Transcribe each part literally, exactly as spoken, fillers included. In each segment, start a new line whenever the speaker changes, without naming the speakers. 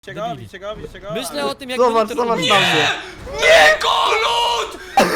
Widzicie go, widzicie go, widzicie go?
Myślę o tym, jak
Zobacz,
będę to
zobacz
robił.
na mnie.
Nie, Kolut!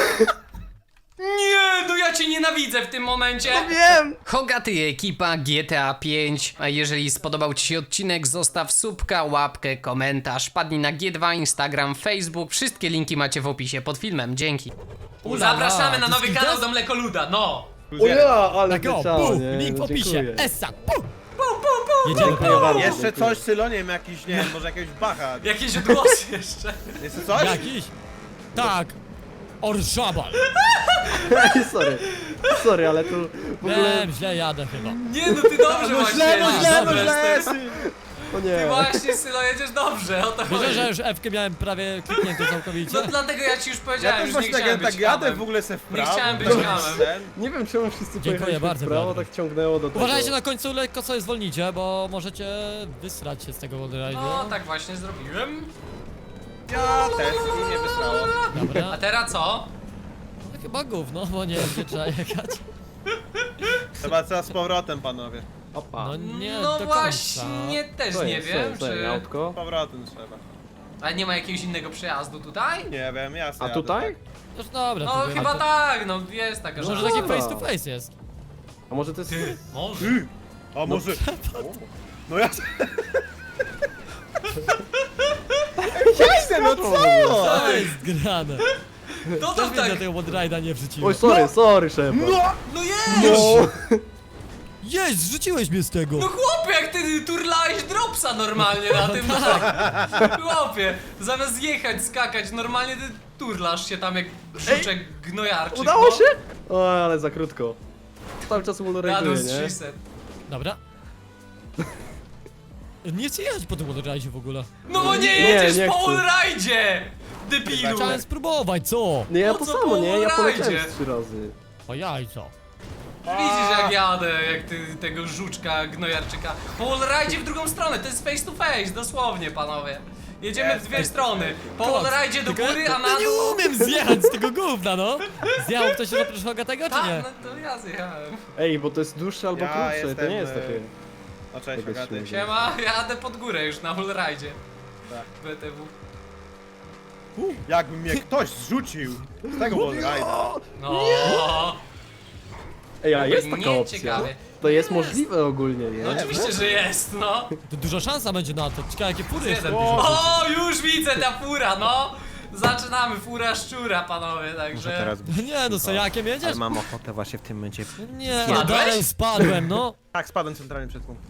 Nie, no ja cię nienawidzę w tym momencie.
No wiem!
Hogaty i ekipa G T A pięć. A jeżeli spodobał ci się odcinek, zostaw subka, łapkę, komentarz. Padnij na G dwa, Instagram, Facebook. Wszystkie linki macie w opisie pod filmem. Dzięki.
Ula,
Zapraszamy na
to
nowy
jest
kanał
gwiazd-
do Mlekoluda, no.
O ja, ale
Tak o,
wleciało,
pu,
nie?
link w
No,
opisie,
dziękuję.
essa, pu. Jedziemy
Dziękuję
po
bardzo.
Jeszcze
dziękuję.
coś, Sylo, nie wiem, jakiś, nie wiem, może jakiegoś bacha.
Jakieś odgłosy jeszcze.
Jeszcze coś?
Jakiś? Tak. Orszabal.
Sorry, sorry, ale tu w ogóle...
Wiem, źle jadę chyba.
Nie, no ty dobrze
No
właśnie
źle, no
jedziesz,
źle, no
dobrze
źle!
jesteś.
O
Ty
nie.
właśnie, Sylo, jedziesz dobrze, o to
Wiesz,
chodzi.
że już F-kę miałem prawie klikniętą całkowicie?
No dlatego ja ci już
Ja
powiedziałem,
też
już
właśnie
nie
tak,
chciałem
tak
być
jadę
hamem.
w ogóle se w prawo.
chciałem być
to jest
hamem.
ten.
Nie wiem czemu wszyscy
Dziękuję
pojechaliśmy
bardzo,
w prawo,
Piotr.
tak ciągnęło do tego.
Uważajcie na końcu lekko sobie zwolnicie, bo możecie wysrać się z tego wallride'u.
No, tak właśnie zrobiłem.
Ja też i mnie wysrało.
A
Dobra.
teraz co?
No, chyba gówno, bo nie wiem, gdzie trzeba jechać.
Chyba trzeba z powrotem, panowie.
Opa.
No nie
No
do końca.
właśnie, też
Co
nie
jest,
wiem,
co jest,
czy...
autko?
Z powrotem trzeba.
A nie ma jakiegoś innego przejazdu tutaj?
Nie wiem, ja sobie
A
jadę,
tutaj?
tak.
No dobra,
No
to wiem,
chyba
to-
tak, no jest taka
Może
szansa.
taki
Dobra.
face to face jest.
A może to jest...
Może.
Ty! A może... No ja... Jadę, no co?
To jest grane.
To
To
to
mnie
tak...
do tego wallride'a nie wrzuciło.
Oj, sorry, sorry, szef.
No!
No jest!
No!
Jest, zrzuciłeś mnie z tego.
No chłopie, jak ty turlałeś dropsa normalnie na tym, no
tak.
chłopie, zamiast jechać, skakać, normalnie ty turlasz się tam jak żuczek gnojarczyk.
Udało
no.
się? O, ale za krótko. Cały czas
Jadą
wallride'uję,
z
nie?
trzysta.
Dobra. Nie chcę jechać po tym wallride'zie w ogóle.
No bo nie
Nie,
jedziesz
nie
po
chcę.
wallride'zie! Debilu!
Chciałem spróbować, co?
Nie, ja
Po
to
co
samo,
po
nie? Ja poleciałem
wallride'zie?
z trzy razy.
O jajco.
Widzisz jak jadę, jak ty tego żuczka, gnojarczyka. Po wallride'zie w drugą stronę, to jest face to face, dosłownie panowie. Jedziemy
Jest
w dwie
face to
strony. Po wallride'zie do
Tylko
góry, a
ja
na
nie
dół...
umiem zjechać z tego gówna, no. Zjechał ktoś się oprócz Hogatego, czy
Tak,
nie?
no to ja zjechałem.
Ej, bo to jest dłuższe albo
Ja
krótsze, to
jestem,
nie jest
e,
takie...
No cześć,
Tego
Agaty.
się-
Siema, jadę pod górę już na wallride'zie.
Tak.
B T W.
Jakby mnie ktoś zrzucił z tego wallride'a.
No.
Ej, a
Jakby
jest taka
nie
opcja.
ciekawie.
To jest
Jest.
możliwe ogólnie, nie?
No oczywiście, że jest, no.
To duża szansa będzie na to. Ciekawe jakie fury jeszcze.
Jeden. O, już widzę ta fura, no. Zaczynamy, fura szczura, panowie, także...
Nie no, co jakiem jedziesz?
Ale mam ochotę właśnie w tym momencie.
Nie,
Spadłeś?
dalej spadłem, no.
Tak, spadłem centralnie przed punkt.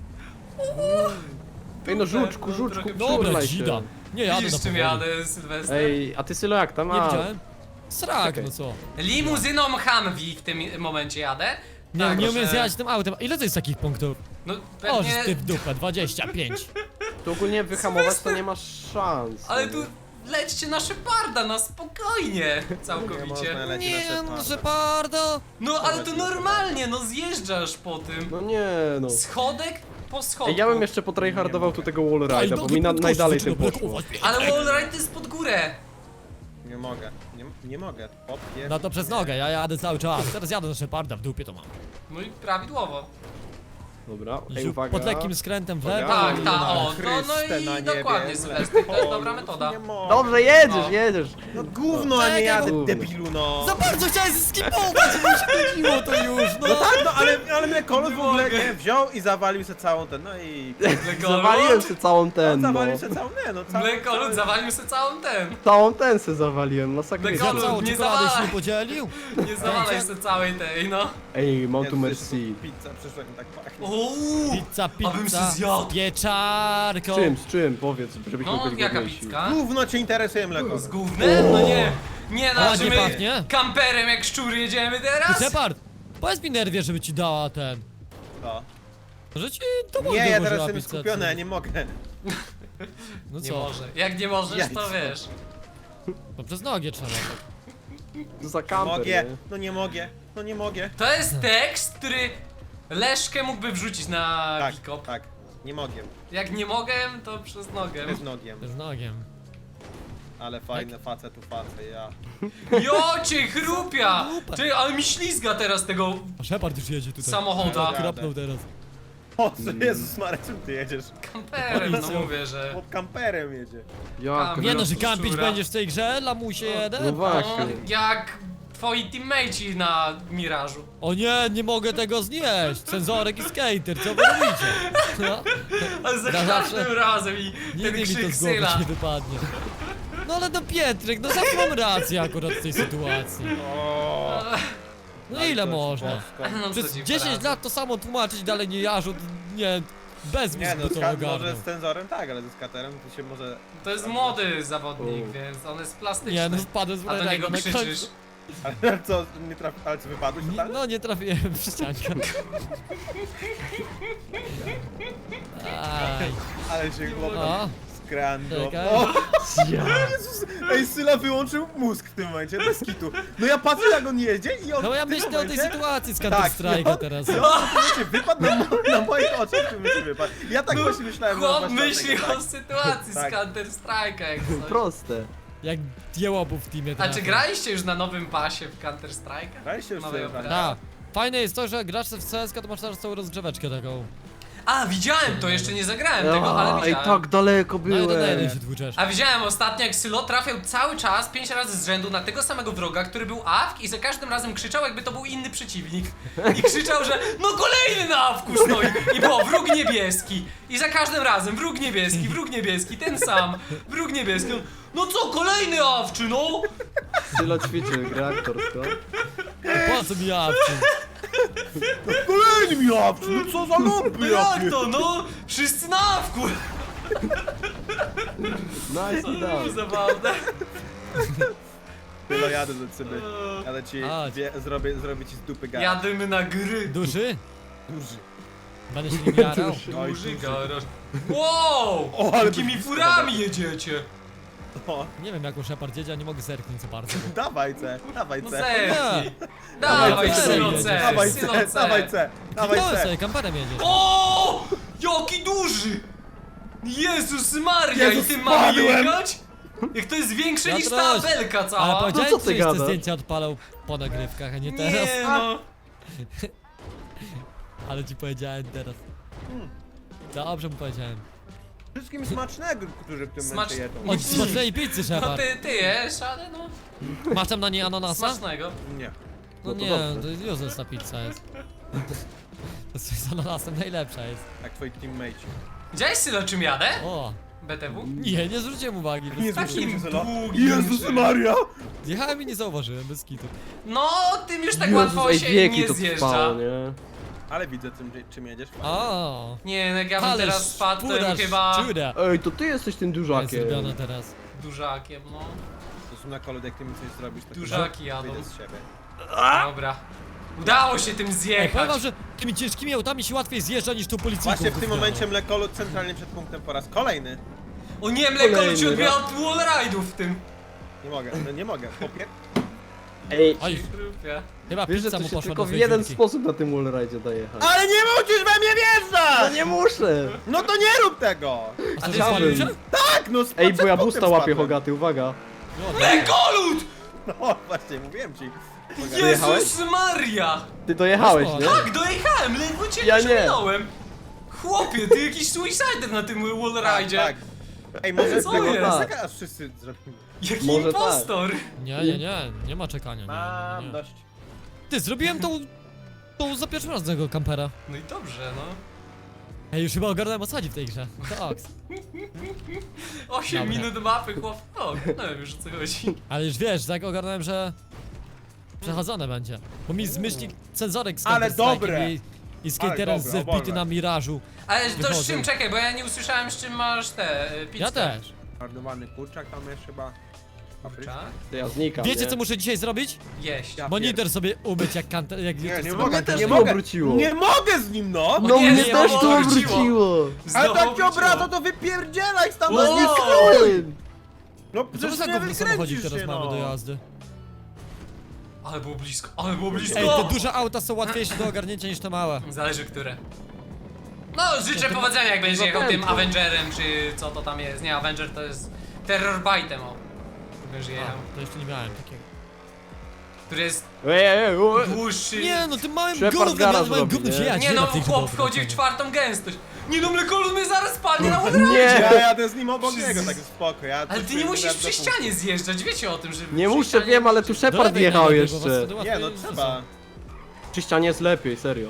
Ej, no żuczku,
No,
żuczku,
trochę
Dobra,
przytulaj się.
dzida. Nie jadę
Widzisz
na
czym
powoli.
jadę, Sylwester?
Ej, a ty Sylo jak tam?
Nie
A,
widziałem. Srak,
Czekaj.
no co?
Limuzyną Humvee w tym momencie jadę.
Nie,
Tak,
nie umiem
że-
zjechać tym autem. Ile to jest takich punktów?
No
O,
pewnie...
że ty w dupę, dwadzieścia pięć.
tu ogólnie wyhamować to nie masz szans.
Ale
nie?
tu lećcie na Szeparda, na spokojnie,
Nie można
całkowicie.
lecieć na
Nie no,
Szeparda.
Shepardo.
No ale to normalnie, no zjeżdżasz po tym.
No nie no.
Schodek po schodku.
Ej, ja bym jeszcze potryhardował tu tego wallride'a, bo mi na, najdalej tym poszło.
Ale wallride to jest pod górę.
Nie mogę, nie, nie mogę. Podpier...
No to przez nogę, ja jadę cały czas. Teraz jadę na Sheparda, w dupie to mam.
No i prawidłowo.
Dobra, ej,
Ziu,
uwaga.
Pod lekkim skrętem w lewo.
Tak,
i-
tak, o, no,
Chryste
no
na
i
niebie,
dokładnie,
w
Sylwester, to jest
lewo.
dobra metoda.
Nie mogę.
Dobrze, jedziesz,
No.
jedziesz.
No gówno, a nie
Czekaj,
jadę,
gówno.
debilu, no.
Za bardzo chciałem skipować, żeby mi się nudziło to już, no.
No tak, no ale, ale mnie kolor w ogóle
mogę.
nie, wziął i zawalił sobie całą ten, no i...
Zawaliłem sobie całą ten,
On
no.
zawalił sobie całą, nie no, całą...
Mlekolud
całą-
zawalił sobie całą ten.
Całą ten se zawaliłem, masakrycznie.
Mleko-
Za całą
nie
czekoladę się
zawalaj.
nie podzielił?
Nie zawalaj sobie całej tej, no.
Ej,
Nie,
Montu
to jest
Merci.
Pizza, przyszła mi tak pachnie.
Uuu,
Pizza,
abym
pizza,
się zjadł.
z pieczarką.
Z czym, z czym? Powiedz, żebyśmy
No,
byli
jaka
godniejsi.
pizka?
Gówno cię interesuje mleko.
Z gównem? No nie. Nie no,
A,
że
nie
my
pachnie?
kamperem jak szczury jedziemy
Ty,
teraz?
Shepard, powiedz mi nerwie, żeby ci dała ten.
Co?
Że ci to
Nie, ja teraz
włożyła
jestem
pizzę,
skupiony,
co?
ja nie mogę.
No
Nie
co?
może. Jak nie możesz, to
Jajco.
wiesz.
No przez nogi trzeba.
To za kamper,
Mogę,
nie?
no nie mogę, no nie mogę.
To jest tekst, który Leszkę mógłby wrzucić na
Tak,
Wikop.
tak, nie mogę.
Jak nie mogę, to przez nogę.
Bez nogiem.
Przez nogiem.
Ale fajne face tu face, ja.
Jocie, chrupia! Ty, ale mi ślizga teraz tego
A Shepard już jedzie tutaj.
samochoda.
Dobra.
Kropnął teraz.
Po co, Jezus Maria, czym ty jedziesz?
Kamperem, no
Policją.
mówię, że...
Pod kamperem jedzie.
Jak?
Nie no, że
Szczura.
kampić będziesz w tej grze, lamusie
No
jeden?
No,
właśnie.
jak twoi teammateci na Mirażu.
O nie, nie mogę tego znieść! Cenzorek i skater, co wy robicie? No,
Ale za
Na
każdym
zawsze-
razem i ten
nigdy mi to
krzyk
z głowy
Syla.
nie wypadnie. No ale no Pietrek, no zawsze mam rację akurat w tej sytuacji.
O,
No ile
to
można?
bosko.
No, co
Przez
ci
dziesięć
poradzę.
lat to samo tłumaczyć, dalej nie jarzut, nie, bez
Nie
mózgu
no,
to
ska-
ogarnął.
może z cenzorem tak, ale ze skaterem to się może...
To jest młody zawodnik,
U.
więc on jest plastyczny.
Nie no, wpadłem z
A do niego
Rejego na
krzyczysz.
końcu.
Ale co, nie traf... ale co, wypadłeś
Nie,
totalnie?
no nie trafiłem w ściankę. Aj,
Ale się chłopak
no,
skrando.
czekaj.
O,
Ja.
Jezus! Ej, Syla wyłączył mózg w tym momencie, bez kitu. No ja patrzę jak on jedzie i on
No ja
w tym
myślę o tej
momencie...
sytuacji z
Tak,
Counter
i
Strike'a
on-
teraz.
I on w tym momencie wypadł na, mo na moich oczach, w tym momencie wypadł. Ja tak właśnie myślałem, no
Chłop
właśnie
myśli
dlatego,
o sytuacji
Tak.
z Counter Strike'a jak coś.
Proste.
Jak jełobów w teamie
A
trafia.
czy graliście już na nowym pasie w Counter Strike'a?
Graliście już
Nowej
sobie w
operacji?
Tak. Fajne jest to, że grasz w C S K to masz teraz całą rozgrzeweczkę taką.
A, widziałem to, jeszcze nie zagrałem tego, ale
Ej,
widziałem.
tak daleko
No jeden na jeden
byłem.
się tłuczesz.
A widziałem ostatnio, jak Sylo trafiał cały czas, pięć razy z rzędu na tego samego wroga, który był A W K i za każdym razem krzyczał, jakby to był inny przeciwnik. I krzyczał, że no kolejny na A W K stoi. I było wróg niebieski. I za każdym razem wróg niebieski, wróg niebieski, ten sam, wróg niebieski. On, no co, kolejny A W K, no?
Sylo ćwiczy grę aktorską.
Po co mi jawczy?
Kolejny mi jawczy, no co za
No
lupy
jak
jakie!
to, no? Wszyscy na A W K.
Nice
To
i
było
down.
zabawne.
Tyle jadę do ciebie. Jadę ci,
A,
wie, zrobię, zrobię ci z dupy garaż.
Jadymy na gry.
Duży?
Duży.
Będę się nim jarał.
Oj,
Duży
duży.
garaż. Wow!
O, ale
Jakimi
byś
furami jedziecie?
O,
Nie wiem jak u Shepard jedzie, a nie mogę zerknąć za bardzo.
dawaj C, dawaj
No
C.
zerknij.
Dawaj,
Dawaj,
C,
Sylo
jedziesz.
C,
Dawaj
Sylo
C, dawaj
C.
C, dawaj
No
C.
sobie, kamperem jedziesz.
O! Jaki duży! Jezus Maria,
Jezus,
i tym mamy
spadłem!
jechać? Jak to jest większe
Ja
niż ta
też.
belka
Ale
cała.
powiedziałem,
No co ty
że te
gadasz?
zdjęcia odpalał po nagrywkach, a nie teraz.
Nie no.
Ale ci powiedziałem teraz. Dobrze mu powiedziałem.
Wszystkim smacznego, którzy w tym
Smacz-
momencie jedzą.
Od smacznej pizzy,
No
Shepard.
ty, ty jesz, ale no.
Masz tam na niej ananasa?
Smacznego.
Nie.
No
No to
nie,
dobrze.
to jest useless ta pizza jest. To z ananasem najlepsza jest.
Jak twoi teammate.
Widziałeś Sylo czym jadę?
O!
B T W?
Nie, nie zwróciłem uwagi.
Nie
Bez...
zwróciłem się Sylo.
długim
Jezus
czymś.
Maria!
Jechałem i nie zauważyłem, bez kitu.
No, tym już tak
Jezus,
łatwo
ej,
się
wieki
nie
to
zjeżdża.
trwało, nie?
Ale widzę czym, czym jedziesz.
O!
Nie, no jak ja bym
Ale
teraz spadł, to
szpura,
bym chyba
szczura
Ej, to ty jesteś tym
jest
dużakiem.
zrobiona teraz.
dużakiem, no.
To są na kolu, jak ty mi coś zrobisz, to
Dużaki jadą.
wyjdę z siebie.
Dobra. Udało się tym
Ej,
zjechać.
powiem wam, że tymi ciężkimi autami się łatwiej zjeżdża niż tu policyjką.
Właśnie w tym momencie mlekolu centralnie przed punktem po raz kolejny.
O nie, mleko
Kolejny
ci odbiera
raz.
od wallride'ów w tym.
Nie mogę, no nie mogę. Popier...
Ej,
Oj,
Grupie.
chyba
wiesz, że
pizza
to
mu
się
poszła
tylko
do
w
swojej
jeden
dziurki.
sposób na tym wallride'zie dojechać.
Ale nie musisz we mnie
No
wjeżdżać!
nie muszę!
No to nie rób tego!
A
ty
ty spalił się?
Tak, no
Ej, bo ja
przed
busta
punktem
łapię,
spadłem.
Hogaty, uwaga.
No,
Mlekolud!
No właśnie, mówiłem ci.
Dojechałeś?
Jezus Maria!
Ty dojechałeś,
Poszło.
nie?
Tak, dojechałem, ledwo cię
Ja
nie
nie.
przeminąłem. Chłopie, ty jakiś suicider na tym
Tak,
wallride'zie.
tak. Ej, może
Co
tego
jest?
masakra aż wszyscy zrobimy.
Jaki
Może
impostor.
Nie, nie, nie, nie ma czekania. Nie,
Mam
nie, nie.
dość.
Ty, zrobiłem tą, tą za pierwszym razem tego kampera.
No i dobrze, no.
Ej, już chyba ogarnąłem o co chodzi w tej grze. Tak.
osiem
Dobra.
minut mapy, chłop. O, no wiem już o co chodzi.
Ale już wiesz, tak ogarnąłem, że przechodzone będzie. Bo mi zmyśli cenzorek z
Ale
Counter-Strike'em
dobre.
i, i skaterem
dobre,
z wbity
oborne.
na mirażu.
Ale to z
Wychodzą.
czym, czekaj, bo ja nie usłyszałem z czym masz te y, pizzę.
Ja też.
Marnowany kurczak tam jest chyba.
Kurczak?
To ja znikam,
Wiecie
nie?
co muszę dzisiaj zrobić?
Jeść.
Ja
Monitor sobie umyć jak kanter, jak
Nie, nie
sobie
mogę,
kanter-
też
nie
to
mogę.
obróciło.
Nie mogę z nim, no!
No
nie,
mnie
nie,
też
bo
to
obróciło.
obróciło!
Ale
Znowu
tak cię
wróciło.
obraca, to wypierdzielaj
No
stamtąd!
zniknąłem!
No
Co to
przecież
za
nie
gówno samochodzik
wykręcisz
teraz
się,
mamy
no.
do jazdy?
Ale było blisko, ale było blisko.
Ej, te duże auta są łatwiejsze do ogarnięcia niż te małe.
Zależy które. No, życzę powodzenia jak będziesz jechał tym Avengerem, czy co to tam jest. Nie, Avenger to jest Terrorbite'em, o. Będziesz
A,
jechał.
to jeszcze nie miałem takiego.
który jest
Ej, ej, ej, ej.
dłuższy.
Nie no, tym małym
Shepard
gównem,
garaż
ja małym
robi,
gównem
nie?
się ja
Nie no, chłop wchodzi w czwartą gęstość. Nie no, mlekolud mnie zaraz spadnie na odra.
Nie,
Ja jadę z nim obok
Przez-
niego, tak spoko. Ja
Ale ty nie musisz przy ścianie zjeżdżać, wiecie o tym, że...
nie
przy
muszę,
ścianie-
wiem, ale tu Shepard jechał jeszcze.
Nie no, trzeba.
Przy ścianie jest lepiej, serio.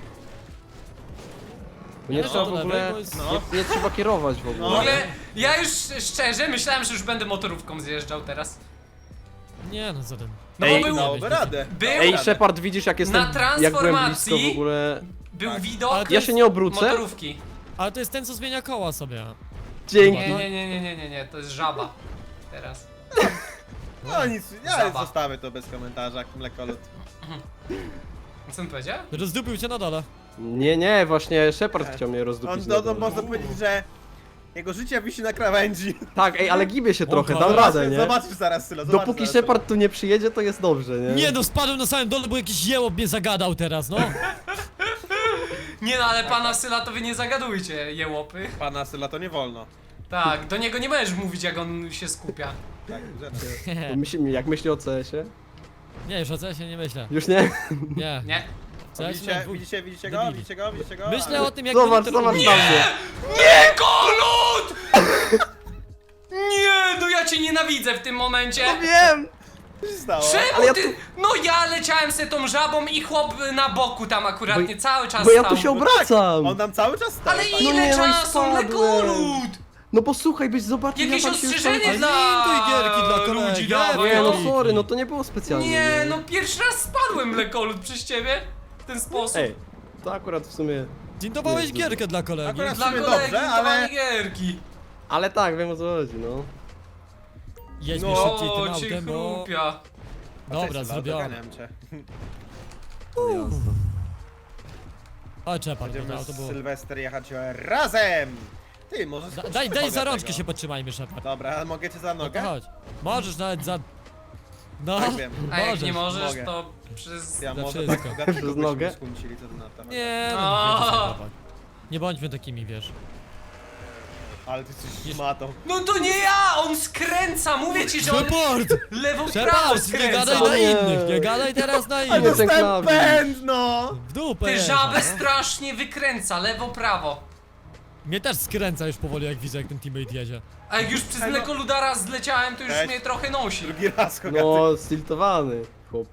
Bo nie
Ja
trzeba
do
w
lewej,
ogóle,
bo jest-
No.
nie, nie trzeba kierować w
W
ogóle.
ogóle, ja już szczerze myślałem, że już będę motorówką zjeżdżał teraz.
Nie no, co ten.
No
Ej,
bo był,
Dałoby radę.
Był-
dałoby
Ej,
radę.
Shepard, widzisz jak jestem,
Na
jak byłem blisko
transformacji-
w ogóle.
był
Tak.
widok
Ale to
Ja się nie obrócę?
motorówki.
Ale to jest ten, co zmienia koła sobie.
Dzięki.
Nie, nie, nie, nie, nie, nie, nie, to jest żaba. Teraz.
No nic, ja
Zaba.
zostawię to bez komentarza, jak mlekolud.
Co on powiedział?
Rozdupił cię na dole.
Nie, nie, właśnie Shepard chciał mnie
On,
rozdupić.
no,
na
no
dole.
można powiedzieć, że jego życie wisi na krawędzi.
Tak, ej, ale gibię się trochę, dam
Zobaczysz,
radę, nie?
Zobaczysz zaraz, Sylo, zobaczysz
Dopóki
zaraz.
Shepard tu nie przyjedzie, to jest dobrze, nie?
Nie no, spadłem na samym dole, bo jakiś jełop mnie zagadał teraz, no.
Nie no, ale pana Syla to wy nie zagadujcie, jełopy.
Pana Syla to nie wolno.
Tak, do niego nie możesz mówić, jak on się skupia.
Tak, że
Bo myśli, jak myśli o C S-ie?
Nie, już o co ja się nie myślę.
Już nie?
Nie.
Nie.
Co ja się
Widzicie,
dwóch-
widzicie, widzicie go,
debili.
widzicie go, widzicie go?
Myślę o tym, jak
Zobacz,
monitor-
zobacz
Nie!
na mnie.
Nie, Kolud! Nie, no ja cię nienawidzę w tym momencie.
No wiem!
Co się stało?
Czemu
Ale ja
ty? No ja leciałem se tą żabą i chłop na boku tam akurat
Bo-
nie cały czas
Bo ja
stał.
tu się obracam!
On tam cały czas stał.
Ale
tak?
ile
nie, no i
czasu,
spadłem.
Mlekolud!
No bo słuchaj, byś zobaczył,
Jakieś
ja tam się już
ostrzeżenie
tam...
dla
Linduj gierki dla kolegi,
ludzi
ja
dawaj,
Nie, no
Gierki.
sorry, no to nie było specjalnie.
Nie, no pierwszy raz spadłem, Mlekolud, przez ciebie. W ten sposób.
Ej, to akurat w sumie...
Zintowałeś
Nie,
gierkę dla kolegi.
Akurat-
Dla
w sumie
kolegi
dobrze,
ale...
ale-
gierki.
Ale tak, wiem o co chodzi, no.
Jedźmy
No,
szybciej tym
O, cię
autem, bo...
chrupia.
Dobra,
Sylo,
zrobione.
doganiam cię.
Jasne.
O, Shepard, to
Będziemy
auto
z
było...
Sylwester jechać razem! Ty, może
Da,
skoczysz
daj, daj
drogę
za rączkę
tego.
się podtrzymajmy, Shepard.
Dobra, a mogę cię za
No to
nogę?
chodź. Możesz nawet za... No,
Tak wiem.
A jak
możesz.
nie możesz,
mogę.
to przez...
Ja
Za
może
wszystko.
tak bogatego
Przez
byśmy
nogę?
skłócili, co ty na temat.
Nie, no,
O!
nie, to Shepard. Nie bądźmy takimi, wiesz.
Ale ty jesteś
Jest-
szmatą.
No to nie ja! On skręca! Mówię ci, że on
Shepard!
lewo prawo
Shepard, nie gadaj
skręca!
na
Nie.
innych, nie gadaj teraz na
Ale
ten
innych.
dostałem
klawik.
pęd, no!
W dupę
Ty
jechał,
żabę
no.
strasznie wykręca, lewo prawo.
Mnie też skręca już powoli, jak widzę, jak ten teammate jedzie.
A jak już przez
Ej, no.
mlekoludara zleciałem, to już
Cześć.
mnie trochę nosi.
Drugi raz, kogaty.
No, stiltowany chłop.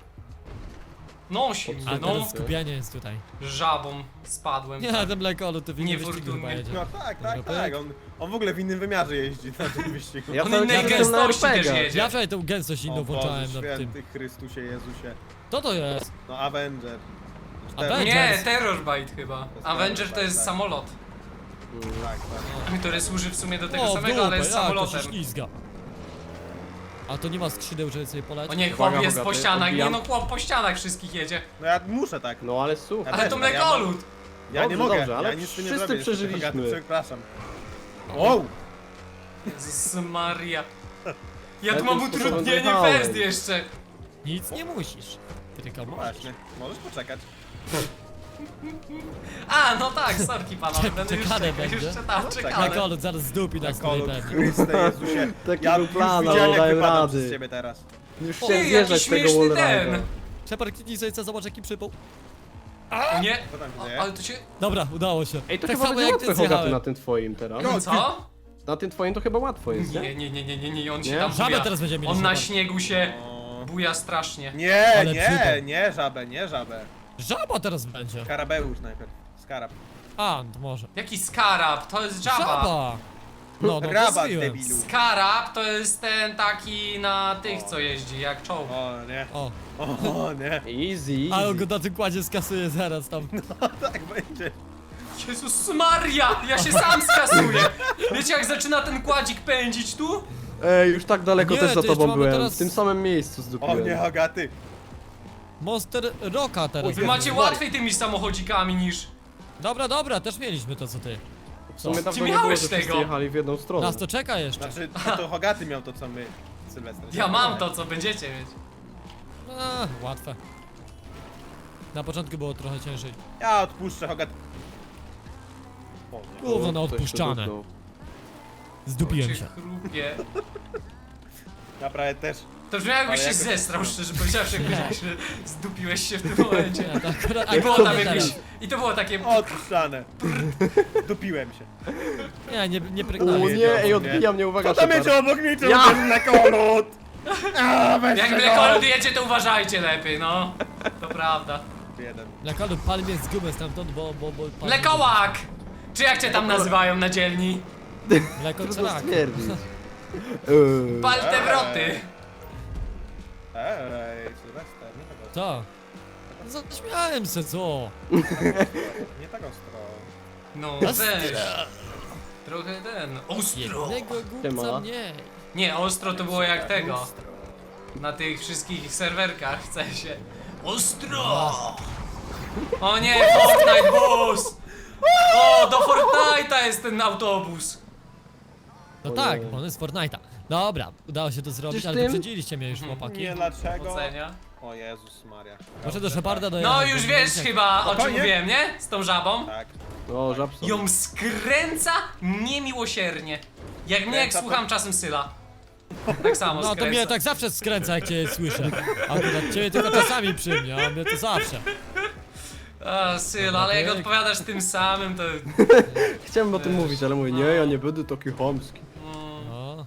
Nosi mnie,
A
no.
teraz skupienie jest tutaj.
Żabą spadłem.
Nie, ten mleko, to w innym wyścigu chyba
Niefortunnie.
jedzie.
No tak, tak,
Dobra,
tak.
pyk.
On, on w ogóle w innym wymiarze jeździ na tym wyścigu.
Ja
On
cały
innej
czas jestem na
gęstości też
R P G.
jedzie.
Ja wczoraj tą gęstość inną
O Boże
włączałem nad tym.
święty Chrystusie Jezusie.
Co to jest?
No Avenger.
Avenger?
Nie, Terrorbite chyba.
jest
Avenger to
Terrorbite,
jest
tak.
samolot,
Tak, tak.
który służy w sumie do tego
O, w
samego, ale
dupę,
jest
jak to się
samolotem.
ślizga. A to nie ma skrzydeł, żeby sobie polecieć?
O nie, chłop
Uwaga,
jest po
bogaty,
ścianach, nie
odbijam.
no chłop po ścianach wszystkich jedzie.
No ja muszę tak.
No ale słuchaj.
Ja
Ale
też,
to
no, ja
mlekolud!
Ja nie
Dobrze,
mogę,
dobrze, ale
ja nic z tym nie
wszyscy
zrobię. niestety,
przeżyliśmy.
Bogaty, Przepraszam. Wow!
Jezus Maria. Ja
Ja
tu mam
tym sposobem
utrudnienie
dojechałem.
fest jeszcze.
Nic nie musisz. Tylko możesz.
Właśnie, możesz poczekać.
A, no tak, sorki panowie, będę już
czekane
czekał, już
będzie.
czytam,
No,
czekamy.
Mleko, zaraz zdupi nas tutaj
Kolud,
pewnie.
Chryste Jezusie.
Taki
Ja
był
już
plan,
widziałem,
ale
jak
dałem
wypadam
rady.
przez ciebie teraz.
Już
Ojej,
chciałem
jaki
zjeżdżać z tego
śmieszny
wallride'a.
ten.
Shepard, kliknij sobie, co, zobacz jaki przypał.
O nie,
Co tam się
o,
dzieje?
ale to się...
Dobra, udało się.
Ej, to
tak
chyba
samo
będzie
jak ty
łatwe Hogaty na
zjechałem.
tym twoim teraz.
No,
Co?
Na tym twoim to chyba łatwo jest,
Nie,
nie?
nie, nie, nie, nie, nie, on się
Nie?
tam
Żabę
buja.
teraz będziemy mieli,
On na
zobacz.
śniegu się
O.
buja strasznie.
Nie,
Ale
nie,
przypał.
nie żabę, nie żabę.
Żaba teraz będzie.
Karabeusz najpierw. Skarab.
A, to może.
Jaki skarab? To jest żaba.
Żaba! No, no, to
Rabat,
zbiłem.
debilu.
Skarab to jest ten taki na tych, co jeździ, jak czołg.
O, nie.
O,
O, nie.
Easy,
ale on
easy.
go na tym kładzie skasuje zaraz tam.
Tak będzie.
Jezus Maria, ja się sam skasuję. Wiecie jak zaczyna ten kładzik pędzić tu?
Ej, już tak daleko
Nie,
też za
ty jeszcze
tobą
mamy
byłem.
teraz-
W tym samym miejscu
O
zdupiłem.
nie, Hogaty.
Monster Rocka teraz.
Wy macie łatwiej tymi samochodzikami niż...
Dobra, dobra, też mieliśmy to co ty.
W sumie
Ty
dawno nie było,
miałeś
że wszyscy
tego.
jechali w jedną stronę.
Nas to czeka jeszcze.
Znaczy, to Hogaty miał to, co my, Sylwester.
Ja mam to, co będziecie mieć.
A, łatwe. Na początku było trochę ciężej.
Ja odpuszczę Hogaty. O, nie.
Gówno na
Ktoś się
odpuszczane.
dotknął.
Zdupiłem
Cię
się.
chrupie.
Ja prawie też.
To brzmiało jakbyś się
Ale jakoś-
zestrał, szczerze powiedziawszy, jakbyś że zdupiłeś się w tym momencie.
Nie, to akurat,
I było
akurat
tam
teraz.
jakieś... I to było takie...
Odstranę. Dupiłem się.
Nie, nie, nie
O
pregnałem.
jedzie
nie,
obok
ej,
mnie.
odbija mnie, uwaga,
Co tam
Shepard.
jedzie obok mnie? Czemu
Ja!
ten mlekolud? A, weź
Jak
tego!
mlekolud jedzie, to uważajcie lepiej, no. To prawda.
Jeden.
Mlekolud, pal mnie z gumy stamtąd, bo... bo, bo pal-
Mlekołak! Czy jak cię tam nazywają na dzielni?
Mleko
Trudno
crak.
stwierdzić. Eee.
Pal te wroty.
Ej, Sylwester, nie tak ostro.
Co? Zaśmiałem się, co?
Nie tak ostro.
No
Ostro.
weź. Trochę ten... Ostro!
Jednego
Siema.
głupca mniej.
Nie, ostro to było jak tego. Na tych wszystkich serwerkach, w sensie. Ostro! O nie, Fortnite bus! O, do Fortnite'a jest ten autobus.
No
O
tak,
nie.
bo on jest Fortnite'a. Dobra, udało się to zrobić,
Przecież
ale
tym-
wyprzedziliście mnie już,
Mhm.
chłopaki.
Nie, dlaczego?
Ocenia.
O Jezus Maria.
Może do Sheparda
No
dojechać.
już
bo-
wiesz chyba o czym
Spokojnie.
mówiłem, nie? Z tą żabą.
Tak.
O, żabson.
Ją skręca niemiłosiernie. Jak mnie jak
Skręca to-
słucham czasem Syla. Tak samo
No to
skręca.
mnie tak zawsze skręca, jak cię słyszę. Akurat ciebie tylko czasami przy mnie, a mnie to zawsze.
A, Syl, ale jak
Okej.
odpowiadasz tym samym, to...
Chciałem o tym
Wiesz,
mówić, ale mówię, nie,
no.
ja nie będę taki chamski.
Mm,
No.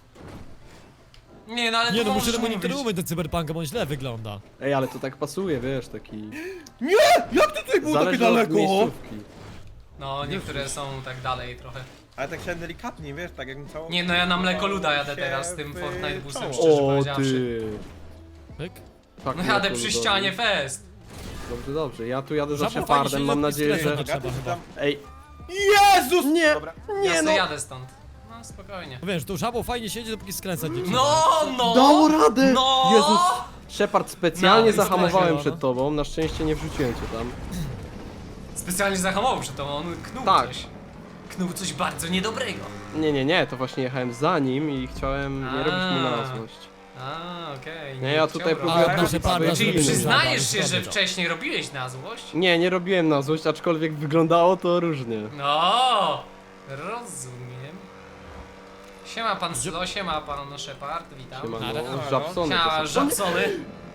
nie no, ale
Nie
to
no, muszę
możesz
temu
mówić.
nie umyć do cyberpunka, bo on źle wygląda.
Ej, ale to tak pasuje, wiesz, taki...
Nie! Jak to tutaj było takie
Zależy od
daleko?
miejscówki.
No, niektóre są tak dalej trochę.
Ale tak się delikatnie, wiesz, tak jakbym całą...
Nie no, ja na mlekoluda jadę
się
teraz z tym
w
Fortnite busem,
czoło.
szczerze
O,
powiedziawszy.
ty.
Pyk.
Tak,
No jadę
mleko
przy
ludowe.
ścianie fest.
Dobrze, dobrze, ja tu jadę za
Żabą
Shepardem,
fajnie
mam
się
nadzieję,
skręca
że...
na-
Gaty,
Trzeba
czy
chyba.
tam...
Ej,
Jezus!
nie!
Dobra.
Nie
Ja
no!
sobie jadę stąd. No spokojnie.
No wiesz, tą żabą fajnie siedzi, dopóki skręcać nie trzeba.
No, no!
Dało radę!
No!
Jezus! Shepard, specjalnie
No,
zahamowałem
spokojnie,
przed
no.
tobą, na szczęście nie wrzuciłem cię tam.
Specjalnie zahamował przed tobą, on knuł
Tak.
coś. Knuł coś bardzo niedobrego.
Nie, nie, nie, to właśnie jechałem za nim i chciałem nie
A.
robić mu na złość.
A, okej.
Nie, ja
chciał
tutaj
robić.
A
próbuję-
od nasze parda
Czyli
Czyli
Zrobimy.
przyznajesz się,
Zrobię
że
to.
wcześniej robiłeś na złość?
Nie, nie robiłem na złość, aczkolwiek wyglądało to różnie.
No, rozumiem. Siema pan Sylo, siema pan Shepard, witam.
Siema,
Ale-
no,
ale-
żabsony
Siema,
to są.
żabsony.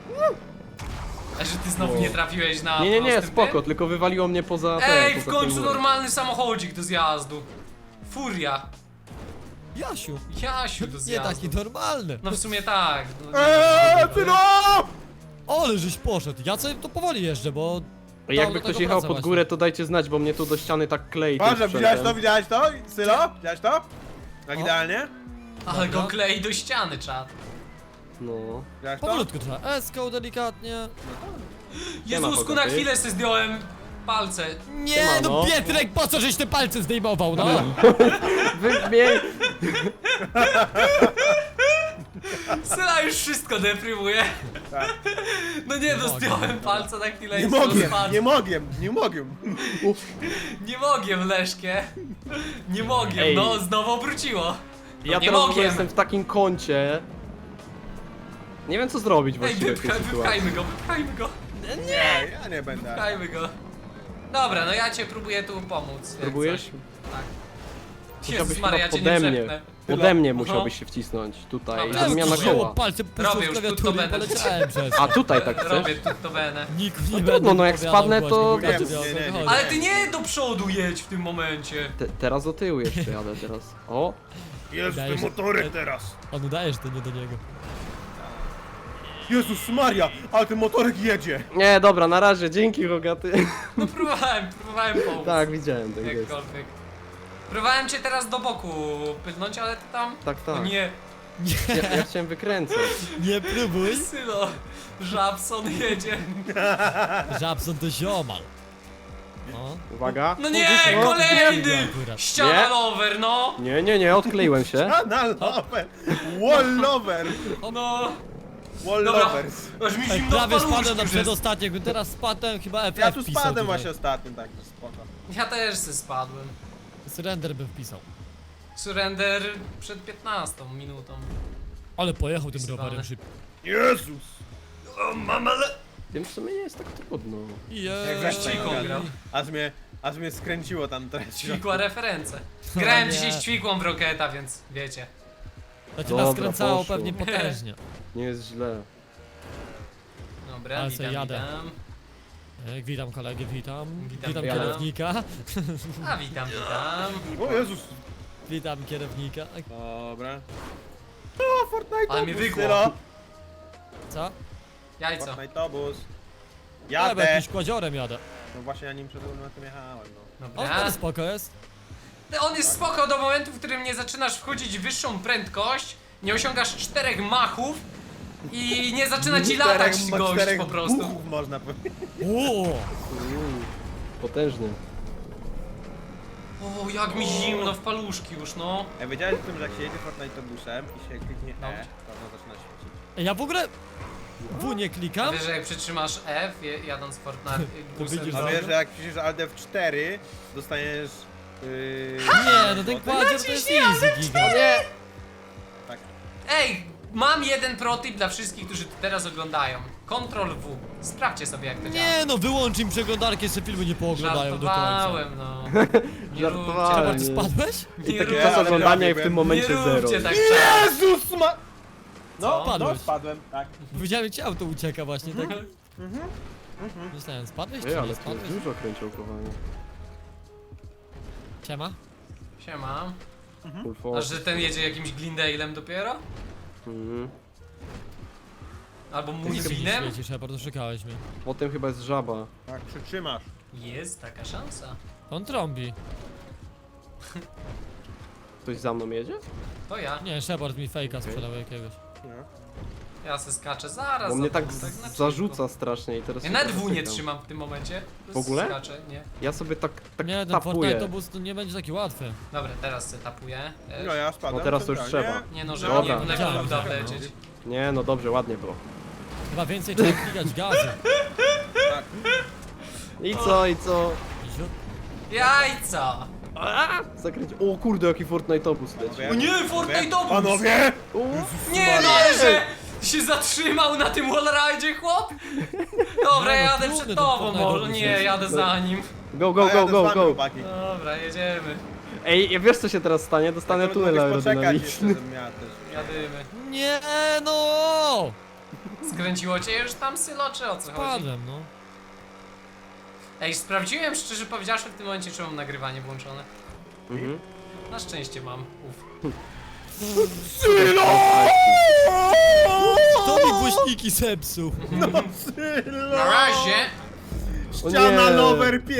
A że ty znowu nie trafiłeś na
Nie, nie, nie,
prostym
spoko,
tym?
tylko wywaliło mnie poza ten,
Ej, w
poza
końcu
tym-
normalny samochodzik do zjazdu. Furia.
Jasiu,
Jasiu do
nie
zjazdu.
taki normalny.
No w sumie tak. No,
Eee, ty no!
Ale żeś poszedł. Ja sobie to powoli jeżdżę, bo...
Ej,
to
Jakby
do
ktoś
tego
jechał
wraca
pod
właśnie.
górę, to dajcie znać, bo mnie tu do ściany tak klei. tym
Boże, widziałeś to,
sprzętem.
widziałeś to? Sylo? Widziałeś to? Tak
O.
idealnie?
Ale go
Dobra.
klei do ściany, czad.
No.
Widziałeś to?
Powolutku trzeba. Eską delikatnie.
Jezusku, na
Hogaty.
chwilę se zdjąłem palce.
Nie,
Siemano.
no Pietrek, po co żeś te palce zdejmował, no?
Wymień!
Syla już wszystko deprymuje.
Tak.
No nie, no
mogę.
zdjąłem palce na chwilę
Nie
i
mogę,
spadł.
nie mogę, nie mogę.
Nie mogę, Leszkie. Nie mogę,
Ej.
no znowu obróciło. No
Ja
nie
teraz w ogóle
mogę.
jestem w takim kącie. Nie wiem co zrobić
Ej,
właściwie w tej
wypchaj,
sytuacji.
wypchajmy go, wypchajmy go,
Nie, ja nie będę.
wypchajmy go. Dobra, no ja cię próbuję tu pomóc. jak
Próbujesz?
coś. Tak.
Musiałbyś
Jezus
chyba
Maria, ja cię nie
pode mnie.
przepnę.
Pode mnie
Aha.
musiałbyś się wcisnąć. Tutaj.
Dobra,
Ja
Zmiana
spróbuję.
koła.
palce puszczą
Robię
w
już, tu to
klawiaturę i
będę.
poleciałem przez
A
to.
tutaj tak chcesz?
Robię tu to benę.
Nikt nie
trudno,
będzie
no jak
opowiadał
spadnę, to-
głośno,
Wiem,
wiecie, o co
nie, nie, nie.
chodzi.
Ale ty nie do przodu jedź w tym momencie.
Te, teraz do tyłu jeszcze jadę teraz. O!
Jest
Dajesz-
ten motorek teraz.
On udaje, że to nie do niego.
Jezus Maria, ale ten motorek jedzie.
Nie, dobra, na razie, dzięki Hogaty.
No próbowałem, próbowałem pomóc.
Tak, widziałem ten gest.
Jakkolwiek. Próbowałem cię teraz do boku pylnąć, ale ty tam...
Tak,
No
tak.
nie,
Nie,
Ja, ja chciałem wykręcać.
nie próbuj.
Sylo, Żabson jedzie.
Żabson to ziomal. No.
Uwaga.
No nie,
O,
kolejny!
akurat.
Ściana
Nie.
lover, no!
Nie, nie, nie, odkleiłem się.
Na lover. Wall lover.
No,
Wall
Dobra.
lovers.
aż mi
Ej,
zimno w
prawie
paluszku
spadłem na
już jest.
przedostatnie, jakbym teraz spadłem, chyba F F
Ja tu
wpisał
spadłem
tutaj.
właśnie ostatnim, tak, to spoko.
Ja też se spadłem.
Surrender bym wpisał.
Surrender przed piętnastą minutą.
Ale pojechał tym
Wpisywany.
rowerem szybko.
Jezus.
O, mama le...
Wiem, w sumie nie jest tak trudno.
Jak
Jej.
weź
Ćwiką grał.
Aż mnie, aż mnie skręciło tam teraz.
Ćwikła referencje. Grałem
nie.
dzisiaj z ćwikłą w Rocketa, więc wiecie.
To cię
Dobra,
naskręcało
poszło.
pewnie potężnie.
Nie jest źle.
Dobra,
Ale
witam,
se jadę.
witam.
E, Witam kolegę, witam.
Witam,
Witam
witam.
kierownika.
A, witam, witam.
O Jezus.
Witam kierownika.
Dobra. O, Fortnite
Ale mnie
obóz,
wygło.
Sylo.
Co?
Jajco.
Fortnite obóz.
Ja bo
Jadę.
jakimś kładziorem jadę.
No właśnie ja nim przed momentem jechałem, no.
On
Dobra.
to spoko jest.
On jest spoko do momentu, w którym nie zaczynasz wchodzić w wyższą prędkość, nie osiągasz czterech machów i nie zaczyna ci latać
Czterech-
gość
czterech
po prostu.
buchów można powiedzieć.
Uuu.
Mm, potężny.
O, jak mi zimno w paluszki już, no.
Ja wiedziałem o tym, że jak się jedzie Fortnite obusem i się kliknie
No.
E, to ono zaczyna świecić.
Ja w ogóle W nie klikam.
Wiesz, że jak przytrzymasz F, je- jadąc Fortnite
To
busem,
widzisz,
A
że-
wiesz, że jak piszesz Alt F cztery, dostaniesz... Yy...
Nie, no ten kładzior to jest easy giga.
Nie!
Tak.
Ej, mam jeden protip dla wszystkich, którzy teraz oglądają. Ctrl W. Sprawdźcie sobie, jak to działa.
Nie no, wyłącz im przeglądarkę, jeszcze filmy nie pooglądają do końca.
Żartowałem, no. Nie
Żartowałem.
Chyba
róbcie,
ty
Ale-
spadłeś?
I
nie
taki
róbcie,
czas
ale
oglądania i w
prawie
tym
byłem.
momencie
nie
zero.
róbcie tak czas.
Jezus ma... No,
Co?
no,
Padłeś.
spadłem, tak.
Widziałem, cię auto ucieka właśnie, tak? Myślałem, spadłeś
Ej,
czy
ale
nie
tu
spadłeś?
jest dużo kręciołkowania.
Siema.
Siema.
Full
A
force.
że ten jedzie jakimś Glendale'em dopiero?
Mhm.
Albo
Ty
mój
nie
winem?
świecisz, Shepard, oszukałeś mnie.
Potem chyba jest żaba.
Tak, przytrzymasz.
Jest taka szansa.
On trąbi.
Ktoś za mną jedzie?
To ja.
Nie, Shepard mi fejka sprzedał jakiegoś.
No.
Ja se skaczę zaraz.
Bo
za
mnie tak
tobą, na
zarzuca
chwilku.
strasznie i teraz...
Ja
się
nawet
trochę
W nie
cykam.
trzymam w tym momencie.
W ogóle?
Skaczę, nie.
Ja sobie tak, tak
Nie, ten
tapuję.
Fortnite obóz to nie będzie taki łatwy.
Dobra, teraz se tapuję. też.
No ja spadłem.
No teraz to już
centralnie.
trzeba.
Nie no, żeby
Dobra.
nie
Wiedziałem,
lepiej uda
że-
wlecieć.
Nie, no dobrze, ładnie było.
Chyba więcej trzeba klikać gazu.
Tak.
I co, i co?
Ziut.
Jajca!
Zakręć. O kurde, jaki Fortnite obóz leci.
Panowie,
O nie,
panowie,
Fortnite obóz!
Panowie!
U,
Nie no, ale że się zatrzymał na tym wallride'zie, chłop? Dobra,
Nie, no,
jadę
trudny
przed
ten
tobą
Fortnite
może.
obóz
Nie,
jest.
jadę za nim.
Go,
A
go,
ja
go,
jadę z
go,
wami,
go.
chłopaki.
Dobra, jedziemy.
Ej, ja wiesz co się teraz stanie? Dostanę
Tak,
tunel
mogłeś poczekać
aerodynamiczny.
jeszcze, żebym miała też.
Jadymy.
Nie no!
Skręciło cię już tam, Sylo, czy o co chodzi?
Spadłem, no.
Ej, sprawdziłem szczerze powiedziawszy w tym momencie, czy mam nagrywanie włączone.
Mhm.
Na szczęście mam. Uf.
Kto mi głośniki zepsuł?
No, Sylo!
Na razie!
O
Ściana
nie.
lover